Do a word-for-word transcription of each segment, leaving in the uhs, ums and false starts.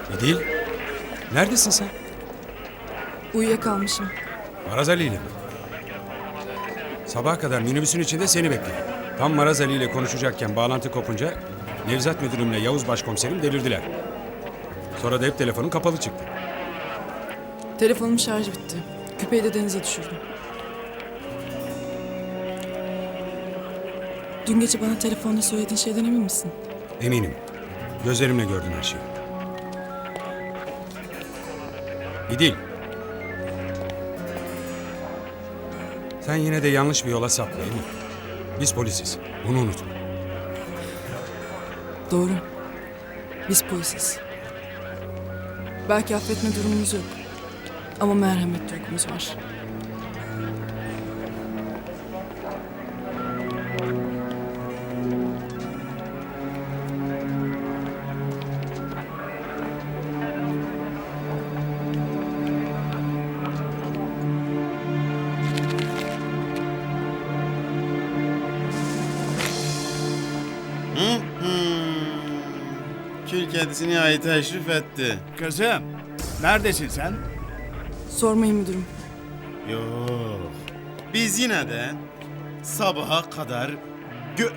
İdil, neredesin sen? Uyuyakalmışım. Maraz Ali ile mi? Sabaha kadar minibüsün içinde seni bekledim. Tam Maraz Ali ile konuşacakken bağlantı kopunca Nevzat müdürümle Yavuz başkomiserim delirdiler. Sonra da hep telefonun kapalı çıktı. Telefonum şarjı bitti. Küpeyi de denize düşürdüm. Dün gece bana telefonda söylediğin şeyden emin misin? Eminim. Gözlerimle gördüm her şeyi. İdil. Sen yine de yanlış bir yola sapla değil mi? Biz polisiz. Bunu unutma. Doğru. Biz polisiz. Belki affetme durumumuz yok. Ama merhamet duygumuz var. Hı? Hmm. Kül kedisi nihayet teşrif etti. Kızım, neredesin sen? Sormayın müdürüm. Yok. Biz yine de sabaha kadar gö...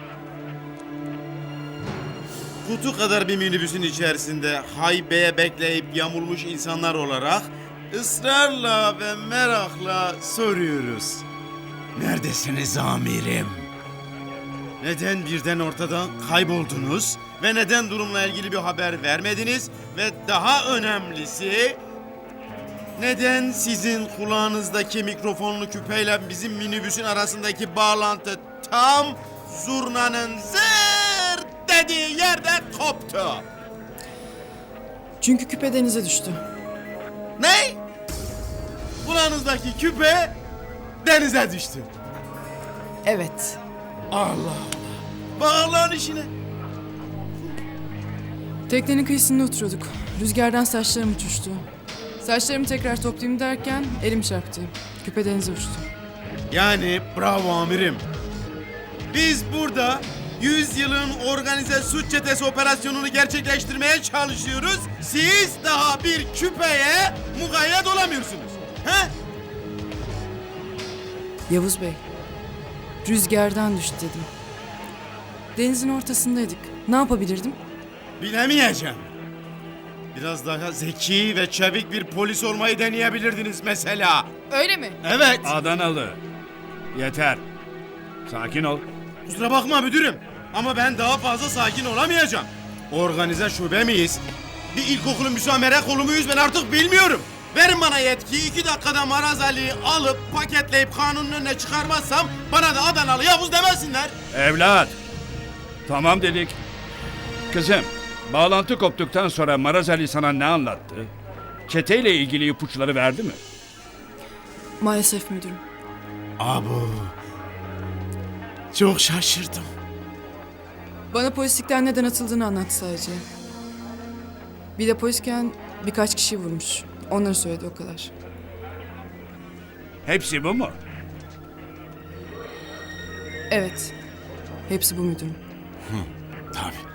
Kutu kadar bir minibüsün içerisinde haybeye bekleyip yamulmuş insanlar olarak ısrarla ve merakla soruyoruz. Neredesiniz amirim? Neden birden ortadan kayboldunuz ve neden durumla ilgili bir haber vermediniz ve daha önemlisi neden sizin kulağınızdaki mikrofonlu küpeyle bizim minibüsün arasındaki bağlantı tam zurnanın zır dediği yerde koptu? Çünkü küpe denize düştü. Ne? Kulağınızdaki küpe denize düştü. Evet. Bağlan işine. Teknenin kıyısında oturuyorduk. Rüzgardan saçlarım uçuştu. Saçlarımı tekrar toplayayım derken elim çarptı. Küpe denize uçtu. Yani bravo amirim. Biz burada yüz yılın organize suç çetesi operasyonunu gerçekleştirmeye çalışıyoruz. Siz daha bir küpeye mukayyet olamıyorsunuz. He? Yavuz Bey, rüzgardan düştü dedim. Denizin ortasındaydık. Ne yapabilirdim? Bilemeyeceğim. Biraz daha zeki ve çevik bir polis olmayı deneyebilirdiniz mesela. Öyle mi? Evet. Adanalı. Yeter. Sakin ol. Kusura bakma müdürüm. Ama ben daha fazla sakin olamayacağım. Organize şube miyiz? Bir ilkokulun müsamere kolu muyuz ben artık bilmiyorum. Verin bana yetki, iki dakikada Maraz Ali'yi alıp paketleyip kanunun önüne çıkarmazsam bana da Adanalı Yavuz demesinler. Evlat. Tamam dedik. Kızım, bağlantı koptuktan sonra Maraz Ali sana ne anlattı? Çeteyle ilgili ipuçları verdi mi? Maalesef müdürüm. Abu. Çok şaşırdım. Bana polislikten neden atıldığını anlattı sadece. Bir de polisken birkaç kişi vurmuş. Onları söyledi o kadar. Hepsi bu mu? Evet. Hepsi bu müdürüm. Tabii.